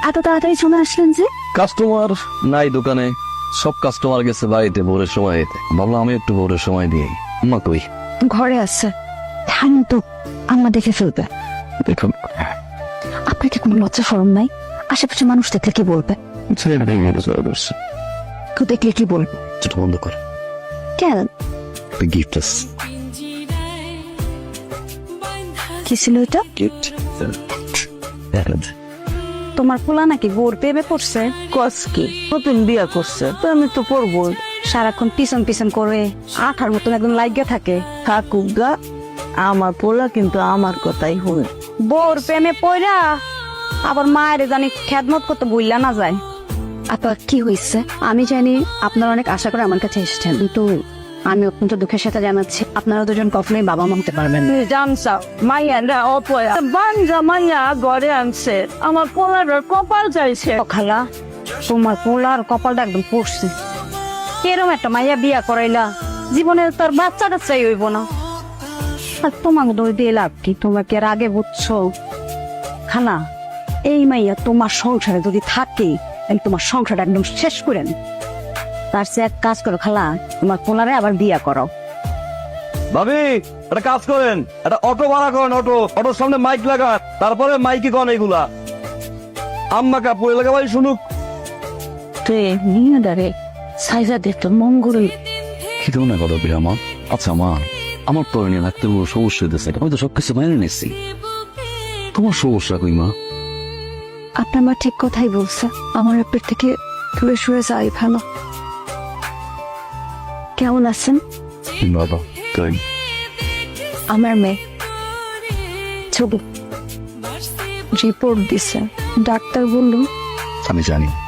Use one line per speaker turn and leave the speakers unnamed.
এত তাড়াতাড়ি চলে আসলেন যে?
কাস্টমার নাই দোকানে, সব কাস্টমার গেছে বাড়িতে ভোরের সময় এতে। ভাবলাম আমি একটু ভোরের সময় দিই। আম্মা কই?
ঘরে আছে। ধ্যান তো আম্মা দেখে ফেলবে।
দেখুন
আপনার কি কোনো লজ্জা শরম নাই? আশেপাশে মানুষ দেখলে কি বলবে? কেউ দেখলে কি বলবে?
ছোট বন্ধ কর।
কেন?
গিফট আছে।
কি ছিল এটা?
গিফট।
তোমার পোলা নাকি বোর প্রেমে পড়ছে?
কসকি নতুন বিয়া করছে তো আমি তো পড়বো।
সারাক্ষণ পিছন পিছন করে আঠার মতন একদম লাগিয়ে থাকে।
থাকুক গা, আমার পোলা কিন্তু আমার কথাই শুনে।
বোর প্রেমে পড়া আবার মায়ের জানি খেদমত করতে বললা না যায়। আপনার কি হয়েছে? আমি জানি আপনারা অনেক আশা করে আমার কাছে এসেছেন, কিন্তু আমি অত্যন্ত দুঃখের সাথে জানাচ্ছি আপনারা দুজন কখনোই বাবা মা হতে পারবেন না।
জানসা মাইয়া না অপয়া বাঞ্জা মাইয়া ঘরে আনছে, আমার পোলার কপাল চাইছে।
ও খালা, তোমার পোলার কপালটা একদম পড়ছে। এরম একটা মাইয়া বিয়া করাইলা, জীবনে তার বাচ্চা টাচ্চাই হইব না। আর তোমাকে দই দিয়ে লাভ কি? তোমাকে আর আগে বুঝছো খালা, এই মাইয়া তোমার সংসারে যদি থাকে তাহলে তোমার সংসারটা একদম শেষ করেন। তার চেয়ে এক কাজ করো খালা, তোমার পোলারে আবার বিয়া করো।
ভাবি একটা কাজ করেন, একটা অটো ভাড়া করেন। অটোর সামনে মাইক লাগান, তারপরে মাইকে কন এগুলা। আম্মা কাপড় লাগাবাই শুনুক।
তুই নিয়ে দাঁড়ে সাইজা দিত মঙ্গল।
কি না কথা বলি আমার? আচ্ছা মা, আমার তো নিয়ে রাখতে বড় সমস্যা হইতেছে। আমি তো সবকিছু মেনে নিচ্ছি, তোমার সমস্যা কই মা?
আপনার মা ঠিক কথাই বলছে, আমার পেট থেকে দূরে সরে যাই ভালো। কেমন আছেন?
বাবা তাই
আমার মেয়ে ছবি রিপোর্ট দিছে, ডাক্তার বলল
আমি জানি